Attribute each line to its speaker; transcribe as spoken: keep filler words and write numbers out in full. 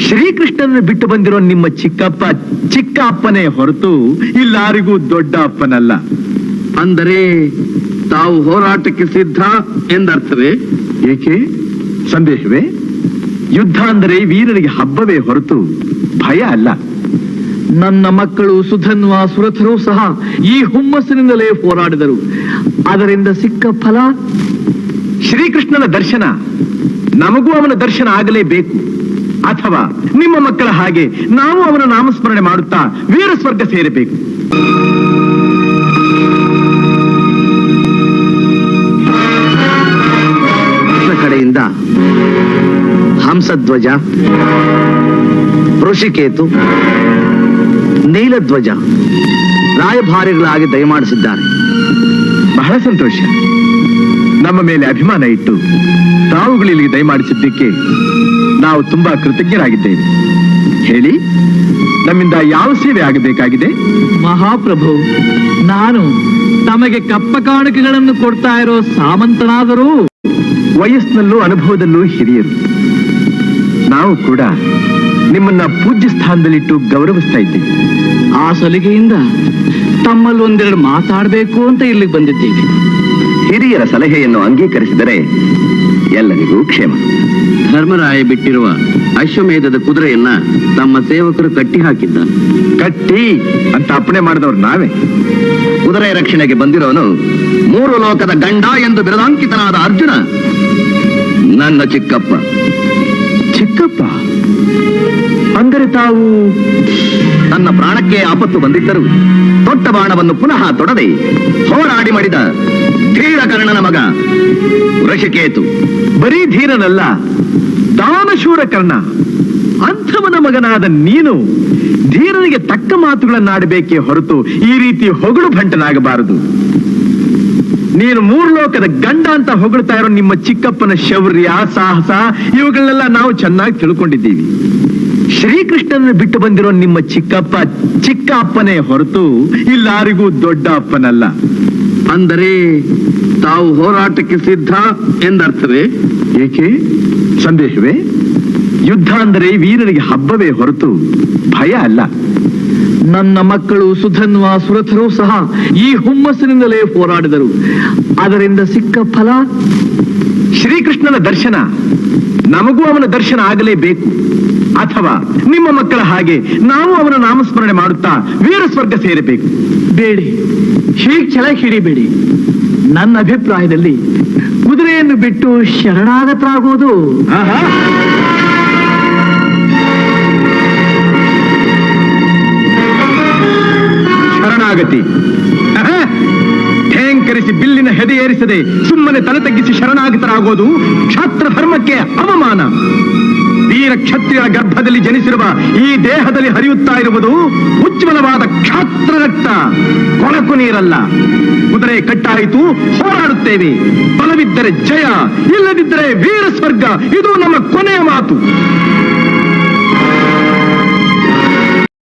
Speaker 1: ಶ್ರೀಕೃಷ್ಣನ ಬಿಟ್ಟು ಬಂದಿರೋ ನಿಮ್ಮ ಚಿಕ್ಕಪ್ಪ ಚಿಕ್ಕ ಅಪ್ಪನೇ ಹೊರತು ಇಲ್ಲಾರಿಗೂ ದೊಡ್ಡ ಅಪ್ಪನಲ್ಲ.
Speaker 2: ಅಂದರೆ ತಾವು ಹೋರಾಟಕ್ಕೆ ಸಿದ್ಧ ಎಂದರ್ಥವೇ?
Speaker 1: ಏಕೆ ಸಂದೇಹವೇ? ಯುದ್ಧ ಅಂದರೆ ವೀರರಿಗೆ ಹಬ್ಬವೇ ಹೊರತು ಭಯ ಅಲ್ಲ.
Speaker 3: ನನ್ನ ಮಕ್ಕಳು ಸುಧನ್ವ ಸುರಥರು ಸಹ ಈ ಹುಮ್ಮಸ್ಸಿನಿಂದಲೇ ಹೋರಾಡಿದರು. ಅದರಿಂದ ಸಿಕ್ಕ ಫಲ
Speaker 1: ಶ್ರೀಕೃಷ್ಣನ ದರ್ಶನ. ನಮಗೂ ಅವನ ದರ್ಶನ ಆಗಲೇಬೇಕು. ಅಥವಾ ನಿಮ್ಮ ಮಕ್ಕಳ ಹಾಗೆ ನಾವು ಅವನ ನಾಮಸ್ಮರಣೆ ಮಾಡುತ್ತಾ ವೀರ ಸ್ವರ್ಗ ಸೇರಬೇಕು.
Speaker 2: ಕಡೆಯಿಂದ ಹಂಸಧ್ವಜ, ಋಷಿಕೇತು, ನೀಲಧ್ವಜ ರಾಯಭಾರಿಗಳಾಗಿ ದಯಮಾಡಿಸಿದ್ದಾರೆ.
Speaker 1: ಬಹಳ ಸಂತೋಷ. ನಮ್ಮ ಮೇಲೆ ಅಭಿಮಾನ ಇಟ್ಟು ತಾವುಗಳಿಗೆ ದಯಮಾಡಿಸಿದ್ದಕ್ಕೆ ನಾವು ತುಂಬಾ ಕೃತಜ್ಞರಾಗಿದ್ದೇವೆ. ಹೇಳಿ, ನಮ್ಮಿಂದ ಯಾವ ಸೇವೆ ಆಗಬೇಕಾಗಿದೆ?
Speaker 3: ಮಹಾಪ್ರಭು, ನಾನು ತಮಗೆ ಕಪ್ಪ ಕಾಣಿಕೆಗಳನ್ನು ಕೊಡ್ತಾ ಇರೋ ಸಾಮಂತನಾದರೂ
Speaker 1: ವಯಸ್ಸಿನಲ್ಲೂ ಅನುಭವದಲ್ಲೂ ಹಿರಿಯರು. ನಾವು ಕೂಡ ನಿಮ್ಮನ್ನ ಪೂಜ್ಯ ಸ್ಥಾನದಲ್ಲಿಟ್ಟು ಗೌರವಿಸ್ತಾ ಇದ್ದೀವಿ.
Speaker 3: ಆ ಸಲಿಗೆಯಿಂದ ತಮ್ಮಲ್ಲಿ ಒಂದೆರಡು ಮಾತಾಡಬೇಕು ಅಂತ ಇಲ್ಲಿಗೆ ಬಂದಿದ್ದೀವಿ.
Speaker 2: ಹಿರಿಯರ ಸಲಹೆಯನ್ನು ಅಂಗೀಕರಿಸಿದರೆ ಎಲ್ಲರಿಗೂ ಕ್ಷೇಮ. ಧರ್ಮರಾಯ ಬಿಟ್ಟಿರುವ ಅಶ್ವಮೇಧದ ಕುದುರೆಯನ್ನ ತಮ್ಮ ಸೇವಕರು ಕಟ್ಟಿ ಹಾಕಿದ್ದ.
Speaker 1: ಕಟ್ಟಿ ಅಂತ ಅಪ್ಪಣೆ ಮಾಡಿದವರು ನಾವೇ.
Speaker 2: ಕುದುರೆ ರಕ್ಷಣೆಗೆ ಬಂದಿರೋನು ಮೂರು ಲೋಕದ ಗಂಡ ಎಂದು ಬಿರುದಾಂಕಿತನಾದ ಅರ್ಜುನ, ನನ್ನ ಚಿಕ್ಕಪ್ಪ.
Speaker 1: ಚಿಕ್ಕಪ್ಪ ಅಂದರೆ ತಾವು?
Speaker 2: ತನ್ನ ಪ್ರಾಣಕ್ಕೆ ಆಪತ್ತು ಬಂದಿದ್ದರು ದೊಡ್ಡ ಬಾಣವನ್ನು ಪುನಃ ತೊಡದೆ ಹೋರಾಡಿ ಮಾಡಿದ ಧೀರಕರ್ಣನ ಮಗ ಋಷಿಕೇತು.
Speaker 1: ಬರೀ ಧೀರನಲ್ಲ, ದಾನಶೂರ ಕರ್ಣ. ಅಂಥವನ ಮಗನಾದ ನೀನು ಧೀರನಿಗೆ ತಕ್ಕ ಮಾತುಗಳನ್ನಾಡಬೇಕೇ ಹೊರತು ಈ ರೀತಿ ಹೊಗಳು ಭಂಟನಾಗಬಾರದು. ನೀನು ಮೂರು ಲೋಕದ ಗಂಡ ಅಂತ ಹೊಗಳ್ತಾ ಇರೋ ನಿಮ್ಮ ಚಿಕ್ಕಪ್ಪನ ಶೌರ್ಯ, ಸಾಹಸ ಇವುಗಳನ್ನೆಲ್ಲ ನಾವು ಚೆನ್ನಾಗಿ ತಿಳ್ಕೊಂಡಿದ್ದೀವಿ. ಶ್ರೀಕೃಷ್ಣನ ಬಿಟ್ಟು ಬಂದಿರೋ ನಿಮ್ಮ ಚಿಕ್ಕಪ್ಪ ಚಿಕ್ಕ ಅಪ್ಪನೇ ಹೊರತು ಇಲ್ಲಾರಿಗೂ ದೊಡ್ಡ ಅಪ್ಪನಲ್ಲ.
Speaker 2: ಅಂದರೆ ತಾವು ಹೋರಾಟಕ್ಕೆ ಸಿದ್ಧ ಎಂದರ್ಥವೇ?
Speaker 1: ಏಕೆ ಸಂದೇಹವೇ? ಯುದ್ಧ ಅಂದರೆ ವೀರರಿಗೆ ಹಬ್ಬವೇ ಹೊರತು ಭಯ ಅಲ್ಲ.
Speaker 3: ನನ್ನ ಮಕ್ಕಳು ಸುಧನ್ವ ಸುರಥರು ಸಹ ಈ ಹುಮ್ಮಸ್ಸಿನಿಂದಲೇ ಹೋರಾಡಿದರು. ಅದರಿಂದ ಸಿಕ್ಕ ಫಲ
Speaker 1: ಶ್ರೀಕೃಷ್ಣನ ದರ್ಶನ. ನಮಗೂ ಅವನ ದರ್ಶನ ಆಗಲೇಬೇಕು. ಅಥವಾ ನಿಮ್ಮ ಮಕ್ಕಳ ಹಾಗೆ ನಾವು ಅವನ ನಾಮಸ್ಮರಣೆ ಮಾಡುತ್ತಾ ವೀರ ಸ್ವರ್ಗ ಸೇರಬೇಕು.
Speaker 3: ಬೇಡಿ, ಹೀಗೆ ಛಲ ಹಿಡಿಬೇಡಿ. ನನ್ನ ಅಭಿಪ್ರಾಯದಲ್ಲಿ ಕುದುರೆಯನ್ನು ಬಿಟ್ಟು ಶರಣಾಗತರಾಗುವುದು.
Speaker 1: ಶರಣಾಗತಿ ಠೇಂಕರಿಸಿ ಬಿಲ್ಲಿನ ಹೆದೆ ಏರಿಸದೆ ಸುಮ್ಮನೆ ತಲೆ ತಗ್ಗಿಸಿ ಶರಣಾಗತರಾಗೋದು ಕ್ಷಾತ್ರ ಧರ್ಮಕ್ಕೆ ಅವಮಾನ. ವೀರ ಕ್ಷತ್ರಿಯರ ಗರ್ಭದಲ್ಲಿ ಜನಿಸಿರುವ ಈ ದೇಹದಲ್ಲಿ ಹರಿಯುತ್ತಾ ಇರುವುದು ಉಜ್ವಲವಾದ ಕ್ಷಾತ್ರ ರಕ್ತ, ಕೊಳಕು ನೀರಲ್ಲ. ಕುದುರೆ ಕಟ್ಟಾಯಿತು, ಹೋರಾಡುತ್ತೇವೆ. ಬಲವಿದ್ದರೆ ಜಯ, ಇಲ್ಲದಿದ್ದರೆ ವೀರ ಸ್ವರ್ಗ. ಇದು ನಮ್ಮ ಕೊನೆಯ ಮಾತು.